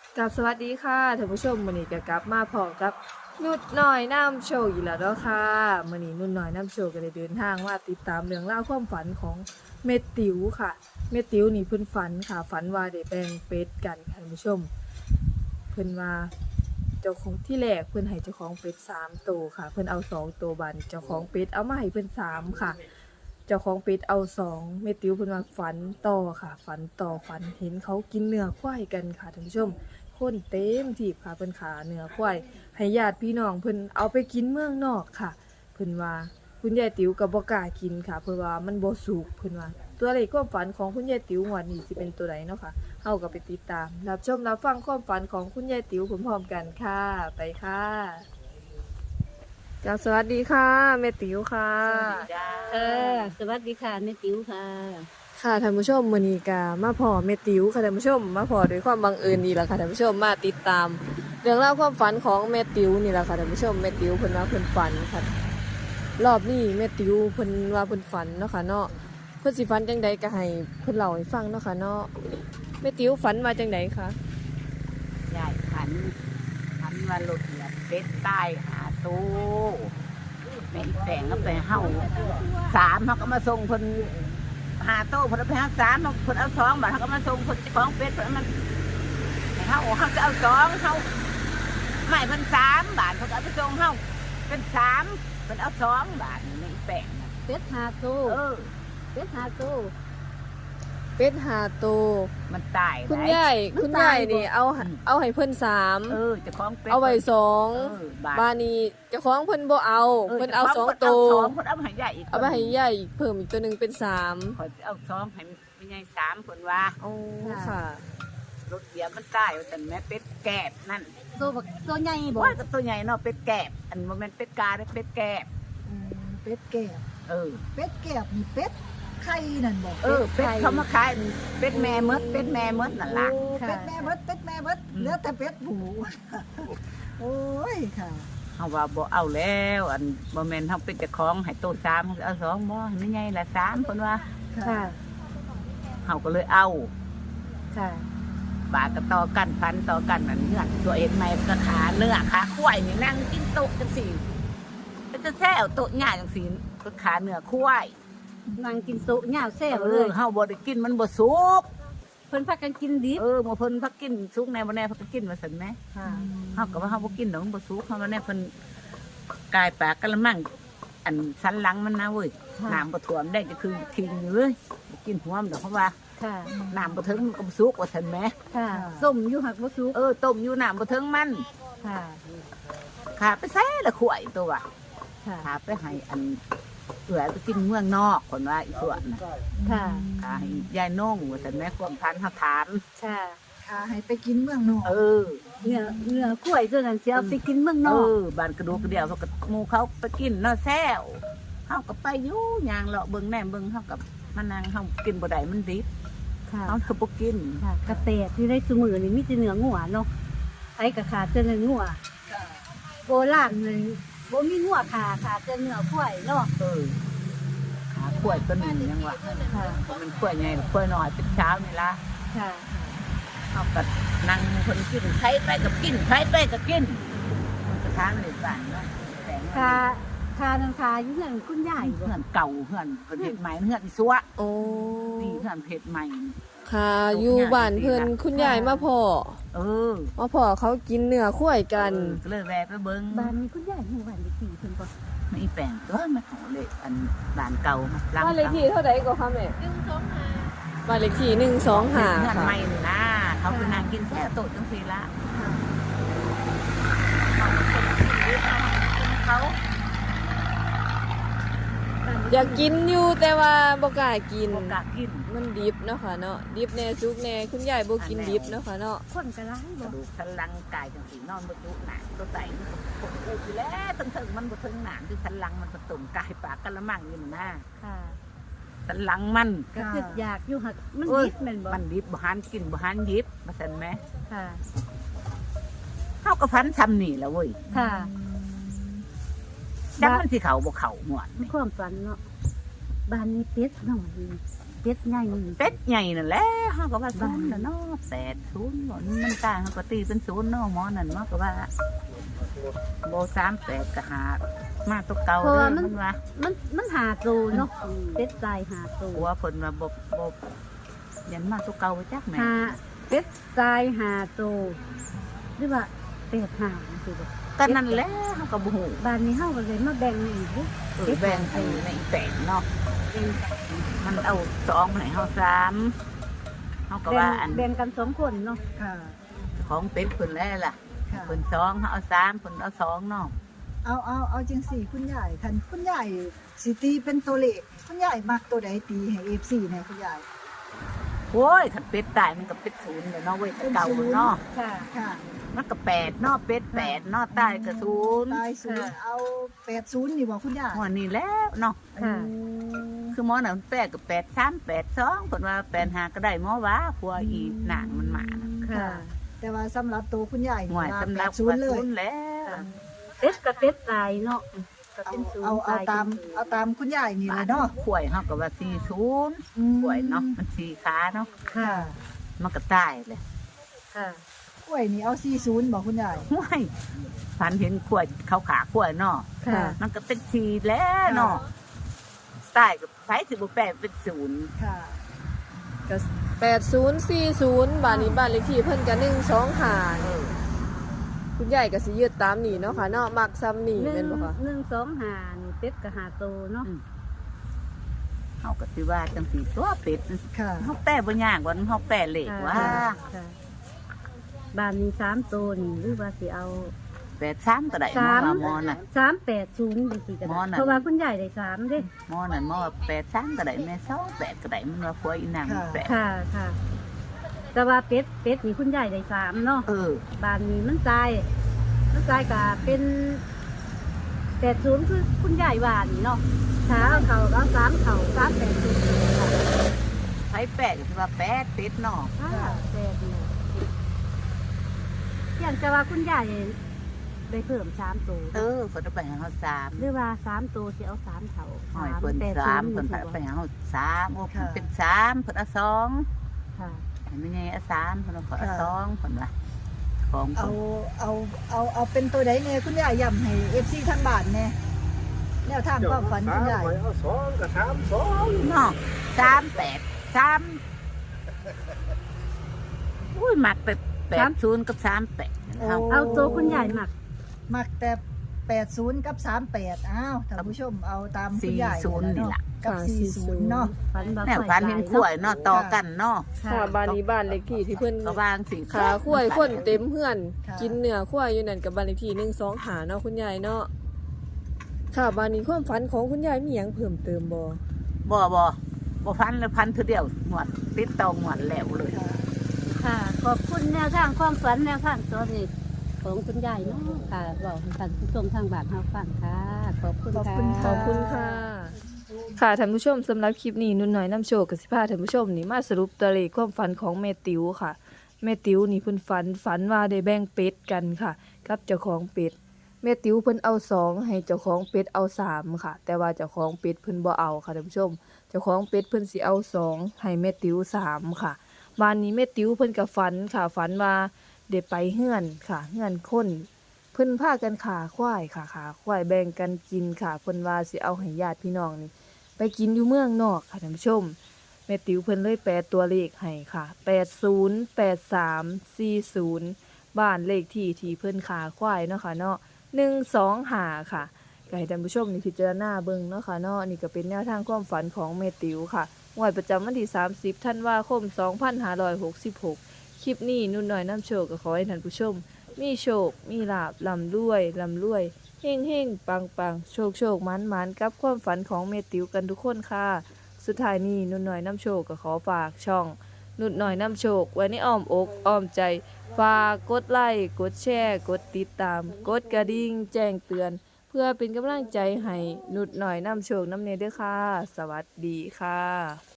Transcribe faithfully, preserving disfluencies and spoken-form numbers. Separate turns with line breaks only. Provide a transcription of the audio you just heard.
กับสวัสดีค่ะท่านผู้ชมมื้อนี้ก็กลับมาพร้อมกับนุดน้อยน้ำโชว์อีกแล้วเนาะค่ะมื้อนี้นุดน้อยน้ำโชว์ก็ได้เดินทางมาติดตามเรื่องราวความฝันของเมติ๋วค่ะเมติ๋วนี่เพิ่นฝันค่ะฝันว่าได้แบ่งเป็ดกันค่ะท่านผู้ชมเพิ่นว่าเจ้าของที่แรกเพิ่นให้เจ้าของเป็ดสามตัวค่ะเพิ่นเอาสองตัวบัดนเจ้าของเป็ดเอามาให้เพิ่นสามค่ะเจ้าของเป็ดเอาสองเมติ๋วเพิ่นว่าฝันต่อค่ะฝันต่อฝันเห็นเขากินเนื้อควายกันค่ะท่านผู้ชม คนเต็มที่ค่ะเพิ่นขาเนื้อควายให้ญาติพี่น้องเพิ่นเอาไปกินเมืองนอกค่ะเพิ่นว่าคุณยายติ๋วก็บ่กล้ากินค่ะเพราะว่ามันบ่สุกเพิ่นว่าตัวเลขความฝันของคุณยายติ๋วงวดนี้สิเป็นตัวใดเนาะค่ะเฮาก็ไปติดตามรับชมรับฟังความฝันของคุณยายติ๋วพร้อมๆกันค่ะไปค่ะจ้าสวัสดีค่ะแม่ติ๋วค่ะ
จ้า
เออสวัสดีค่ะแม่ติ๋วค่ะ
ค่ะท่านผู้ชมมื้อนี้ก็มาพอแม่ติ๋วค่ะท่านผู้ชมมาพอด้วยความบังเอิญนี่แหละค่ะท่านผู้ชมมาติดตามเรื่องราวความฝันของแม่ติ๋วนี่แหละค่ะท่านผู้ชมแม่ติ๋วเพิ่นว่าเพิ่นฝันค่ะรอบนี้แม่ติ๋วเพิ่นว่าเพิ่นฝันเนาะค่ะเนาะเพิ่นสิฝันจังใดก็ให้เพิ่นเล่าให้ฟังเนาะค่ะเนาะแม่ติ๋วฝันมาจังใดคะ
ยายขันขันว่าหลุดเหยียบเป็ดใต้หาตู้แม่อีแฝงก็ไปเฮาสามเขาก็มาส่งคนหาโต้คนเอาไปหาสามคนเอาสองบาทเขาก็มาส่งคนเจ้าของเป็ดคนมันให้เฮาเขาจะเอาสองเขาไม่เพิ่นสามบาทเขาก็เอาไปส่งเฮาเป็นสามเพิ่นเอาสองบาทนี่แม่อีแฝงน่ะ
เป็ดหาตู้
เออ
เป็ดหาตู้
เป็ดหาโตว
มันตาย
คุณ
ไหน
ยายคุณยายนี่เอาเอาให้เพิ่นสาม
เออเจ้าของเป็ด
เอาไว้สอง
เออบาท
บ้านนี้เจ้าของเพิ่นบ่เอาเพิ่นเอาสอง
เจ้
โต
ข
ว
สองคนเอามาให้ยายอีก
เอาไปให้ยายอีกเพิ่มอีกตัวหนึงเป็นสาม
ขอเอาสองให้ไม่ใช่สามคนว่า
โอ้ค่ะ
รถเดียวมันตายแต่แม่เป็ดแกบนั่น
ตัวบักตัวใหญ่บ่
ว่าก็ตัวใหญ่เนาะเป็ดแกบอันโมเมนเป็ดกาได้เป็ดแกบ
อืมเป็ดแก้บ
เออ
เป็ดแก้บนี่เป็ดไข่นั่นบอก
เออเป็ดเขามาขายเป็ดแม่มดเป็ดแม่มดนั่นล่ะ
โอ้เป็ดแม่เบิดเป็ดแม่เบิด
อืม
เหลือแต่เป็ดหมูโอ้ยค่ะ
เขาว่าบ่เอาแล้วอันโมเมนเขาเป็นเจ้าของให้โตสามเขาเอาสองบ่ไม่ใหญ่ละสามคนว่า
ค่ะ
เขาก็เลยเอา
ค่ะ
บาทก็ต่อกันพันต่อกันนั่นเนื้อตัวเอ็นไม่ก็ขาเนื้อขาควายนี่นั่งกินโต๊ะจังสี่จะแซ่เอาโต๊ะง่ายจังสี่ก็ขาเนื้อควาย
นั่งกินโต๊ะยาวแซ่บ
เอ
เล
อย เฮาบ่ได้กินมันบ่สุก
เพิ่นพากันกินดิบ
เออบ่เพิ่นพักกินสุกแน่บ่แน่เพิ่นก็กินว่าซั่นแหม
ค่ะ
เฮาก็ว่าเฮาบ่กินดอกมันบ่สุกเฮาว่าแน่เพิ่นกายปากกะละมังอันสันหลังมันนะเว้ย
ค่ะ
น้ำบ่ท่วมได้จะคือทิ้งอยู่เลยบ่กินหัวมันดอกเพราะว่า
ค่ะ
น้ำบ่ถึงมันก็บ่สุกว่าซั่นแหม
ค่ะส้มอยู่หักบ่สุก
เออต้มอยู่น้ำบ่ถึงมัน
ค่ะ
ขาไปแซ่ละข่วยตัวว่ะ
ค่ะ
ขาไปให้อันเอื้อยไปกินเมืองนอกคนว่าอีส่วนน่ะ
ค่ะ
ขาให้ยายน้องว่าซั่นแหมความทันเฮาถาม
ค่ะ
ค่ะให้ไปกินเมืองนอก
เออ
เนื้อเนื้อกล้วยตัวนั้นสิเอาไปกินเมืองน
เอ
อก
อบานกระดูกกระเดียวเขาก็หมูเขาไปกินเนาะแซวเขาก็ไปอยู่ยางเลาะเบิ่งแหนมเบิ่งเขากับมานั่งเขากินบ่ได้มันดิบ
ค่ะ
เขาคือบ่กิน
ค่ะกระแตที่ได้ซุมื้อนี่มีแต่เนื้องัวเนาะไผก็ขาดแต่เนื้องัวโบราณเลยบ่มีงัวขาขาดแต่เนื้อกล้วยเนาะ
เออหาขวดตัวหนึ่งยังวะ
ค่ะ
มันขวดใหญ่ขวดน้อยเป็นเช้านี่ละ
ค่ะ
เขาก็นั่งคนกินใครไปกับกินใครไปกับกินมันก็ทานเลยบ้านเนาะแต่ง
คาคานังคาอยู่เงินคุณยายบ่
เพื่อนเก่าเพื่อนเพื่อนเห็ดใหม่เพื่อนอีสัว
โอ้
นี่เพื่อนเห็ดใหม่
ค่ะอยู่บ้านเพิ่นคุณยายมาพ่อ
เออ
มาพ่อเขากินเนื้อควายกัน
เออก็เลยแวะไปเบิ่ง
บ้านนี้คุณยายอยู่บ้านเลขที่เพิ่นบ่
ไม่แปลงตัวมันของเล็กอันบ้านเก่ามาหลัง
บ้านเลขที่เท่าไหร่ก็คะแม่บ้านเลขที่หนึ่งสองห้า
เพื่อน
ค่ะ
ใหม่นี่นะเขาเป็นนางกินแค่โต๊ะจังสีละเขา
อยากกินอยู่แต่ว่าบ่กล้ากิน
โอกาสกิน
มันดิบเนาะค่ะเนาะดิบแน่ซุกแน่คุณยายบ่กินดิบเนาะค่ะเนาะ
คนก็หลาย
ก
บ่
ระดูกสันหลังกายจังสีนอนบนจุหนังตัวไตมันปวดอูอยู่แล้วตึงถึงมันบนถึงหนังที่สันหลังมันผสมกายปากกะละมังอยู่นะ
ค่ะ
สันหลังมัน
ก็คืออยากอยู่หักมัน
เอ้ย
ดิบแม่นบ่
มันดิบบหันกินบหันยิบมาสันไหม
ค่ะ
เขาก็พันซ้ำนี่แหล้วเว้ย
ค่ะ
จังมันที่เขาบ่เขาหมวด
มี
นี่
ความฝันเนาะบ้านนี้เป็ดน้อยนี่เป็ดใหญ่
เป็ดใหญ่นั่นแหละเฮาก็ว่าศูนย์น่ะเนาะแปดศูนย์บ่มันตายเฮาก็ตีเป็นศูนย์เนาะหมอนั่นเนาะก็ว่าบ่สามแปดก็หามาตัวเก่าเด้อมันว่า
มันมันหาตูเนาะเป็ดตายหาตู
หัวเพิ่นว่าบ่บ่ยันมาตัวเก่าไปจักแม่
หาเป็ดตายหาตูหรือว่าเป็ดหาสิบ่
ก็นั่นแหละเฮาก็บ่ฮู้
บ้านนี้เฮาก็เลยมาแบ่งอีกเด้
เออแบ่งให้ในอีแปดเนาะ
แบ่งกัน
มันเอาสองให้เฮาสามเฮาก็ว่าอัน
แบ่งกันสองคนเนาะ
ค่ะ
ของเป็ดเพิ่นแล้วล่ะ
ค่ะ
เพิ่นสองเฮาเอาสามเพิ่นเอาสองเนาะ
เอาเอาเอาจังสี่คุณยายคันคุณยายสิตีเป็นตัวเลขคุณยายมักตัวใดตีให้ เอฟ ซี แหน่คุณยาย
โอ้ยถ้าเป็ดตายมันก็เป็ดศูนย์เลยเนาะเว้ยแต่เก่าเนาะ
ค่ะ
ค่ะ
มันก็แปดเนาะเป็ดแปดเนาะตายก็ศูนย์
ตายศูนย์เอาแปดศูนย์นี่บ่คุณยาย
หัวนี่แล้วเนาะ
ค่ะ
คือหมอน่ะมันแปดกับแปดสามแปดสองเพิ่นว่าแปดห้าก็ได้หมอว่าผัวอีนางมันมาน่ะ
ค่ะ
แต่ว่าสำหรับตัวคุณยาย
หวย
ว่า
สำหรับ
แปดศูนย์เลย
ศูนย์แล้ว
เป็ดกับเป็ดตายเนาะก็
เอา
เป็นศูน
เอา
ย์
เอา
ตาย
ตามเอาตามคุณยายนี่เลยเนาะ
ข่วยเฮาก็ว่าสี่ศูนย์
อืม
ข่วยเนาะมันสี่ขาเนาะ
ค่ะ
มันก็ตายเลย
ค่ะ
กล้วยนี่เอาสี่ศูนย์บอกคุณยาย
ห้วยฝันเห็นข่วยเขาขาข่วยเนาะ
ค่ะ
มันก็เป็นสี่แล้วเนาะตายกับไผสิบ่แปดเป็นศูนย์
ค่ะ
ก็แปดศูนย์สี่ศูนย์บ้านนี้บ้านเลขที่เพิ่นก็หนึ่งสองห้า
เออ
คุณยายก็สิยึดตามนี่เนาะค่ะเนาะมักซ้ำนี่
หนึ่
แม่
ง
นบ่คะ
หนึ่งสองหานี่เป็ดกับหาตูเนาะ
เฮาก็สิว่าจังสี่ตัวเป็ด
ค่ะ
เฮาแปลบ่ยากว่าเฮาแปลเลขว่า
ค่ะบ้านนี้สามตัวนี่หรือว่าสิเอา
แปดสามก็ได้หมอ
สาม
ว่าหมอน่ะ
สามแปดศูนย์ดีสิกัน
หมอน่ะ
เพราะว่าคุณยายได้สามเด้
หมอนั่นหมอว่าแปดสามก็ได้แม่สองแปดก็ได้มันว่าผัวอีนางมันแปด
ค่ะค่ะ แต่ว่าเป็ดเป็ดนี่คุณยายได้สามเนาะ
เออ
บ้านนี้มันตายมันตายก็เป็นแปดศูนย์คือคุณยายว่านี่เนาะถ้าเอาเขาเอาสามเขาสามแปดศูนย์ค่ะ
ไผแปดก็สิว่าแปดเป็ดเนาะ
ค่ะแปดเนี่ยอย่างจะว่าคุณยายได้เพิ่มสามตัว
เออเพิ่นเอาไปให้เฮาสาม
หรือว่าสามตัวสิเอาสามเขา
หอยเพิ่น
แปด
สาม
ศู
เพิ่น
ย์
ไปให้เฮาสามโอ้เพิ่น
ค่ะ
เป็นสามเพิ่นเอาสอง
ค่ะ
ให้แม่ใหญ่เอาสามเพิ่นเอาขอเอาสองเพิ่นว่าของ
เอา
เพิ่น
เอาเอาเอาเป็นตัวใดเนี่ยคุณยายย้ำให้ เอฟ ซี ทางบ้านแน่แนวทางความฝันคุณยาย
เอาสองกับสามสอง
เนาะสามแปดสามอุ้ยมักไปแปดศูนย์กับสามแปดเฮา
เอาตัวคุณยายหมัก
มักแต่แปดศูนย์กับสามแปดอ้าวท่านผู้ชมเอาตามคุณ
สี่
ยาย
ศูนย์นี่ล่ะ
กับสี่ศูนย์เนาะ
ฝันบ่
แนว
ค่อย
ฝันเห็นขวยเนาะต่อกันเนาะ
ค่ะ
ค่ะบ้านนี้บ้านเลขที่ที่เพิ่น
ก็วางสิ
ขาข้วยคนเต็มเฮือน
ค่ะ
กินเนื้อข้วยอยู่นั่นกับบ้านเลขที่หนึ่งสองห้าเนาะคุณยายเนาะค่ะบ้านนี้ความฝันของคุณยายมีหยังเพิ่มเติมบ่
บ่บ่บ่พันเลยพันคือเดียวหมวดติดตองหมวดแล้วเลย
ค่ะ
ค่ะ ขอบคุณแนวทางความฝันแนวทางตัวนี้ของคุณยายเนาะค่ะบอกให้ท่านผู้ชมทางบ้านเฮาฟังค่ะ ขอบคุณค่ะ
ขอบคุณค่ะ ค่ะท่านผู้ชมสำหรับคลิปนี้นุ่นน้อยน้ำโชคกับสิพาท่านผู้ชมนี่มาสรุปตัวเลขความฝันของแม่ติ๋วค่ะแม่ติ๋วนี่เพิ่นฝันฝันว่าได้แบ่งเป็ดกันค่ะ กับเจ้าของเป็ดแม่ติ๋วเพิ่นเอาสองให้เจ้าของเป็ดเอาสามค่ะ แต่ว่าเจ้าของเป็ดเพิ่นบ่เอาค่ะท่านผู้ชม เจ้าของเป็ดเพิ่นสิเอาสองให้แม่ติ๋วสามค่ะบ้านนี้แม่ติ๋วเพิ่นก็ฝันค่ะฝันว่าได้ไปเฮือนค่ะเฮือนคนเพิ่นพากันขาควายค่ะขาควายแบ่งกันกินค่ะเพิ่นว่าสิเอาให้ญาติพี่น้องนี่ไปกินอยู่เมืองนอกค่ะท่านผู้ชมแม่ติ๋วเพิ่นเลยแปลตัวเลขให้ค่ะแปดศูนย์ แปดสาม สี่ศูนย์บ้านเลขที่ที่เพิ่นขาควายเนาะค่ะเนาะหนึ่งสองห้าค่ะก็ให้ท่านผู้ชมนี่พิจารณาเบิ่งเนาะค่ะเนาะนี่ก็เป็นแนวทางความฝันของแม่ติ๋วค่ะงวดประจำวันที่สามสิบธันวาคมสองพันห้าร้อยหกสิบหกคลิปนี้นุ่นน้อยน้ำโชคก็ขอให้ท่านผู้ชม มีโชค มีลาบลำรวยลำรวยเฮ่งเฮ่งปังปังโชคโชคมันมันกับความฝันของเมติ๋วกันทุกคนค่ะ สุดท้ายนี้นุ่นน้อยน้ำโชคก็ขอฝากช่อง นุ่นน้อยน้ำโชคไว้ในอ้อมอกอ้อมใจ ฝากกดไลค์กดแชร์กดติดตาม กดกระดิ่งแจ้งเตือน เพื่อเป็นกำลังใจให้นุ่นน้อยน้ำโชคน้ำเนยด้วยค่ะ สวัสดีค่ะ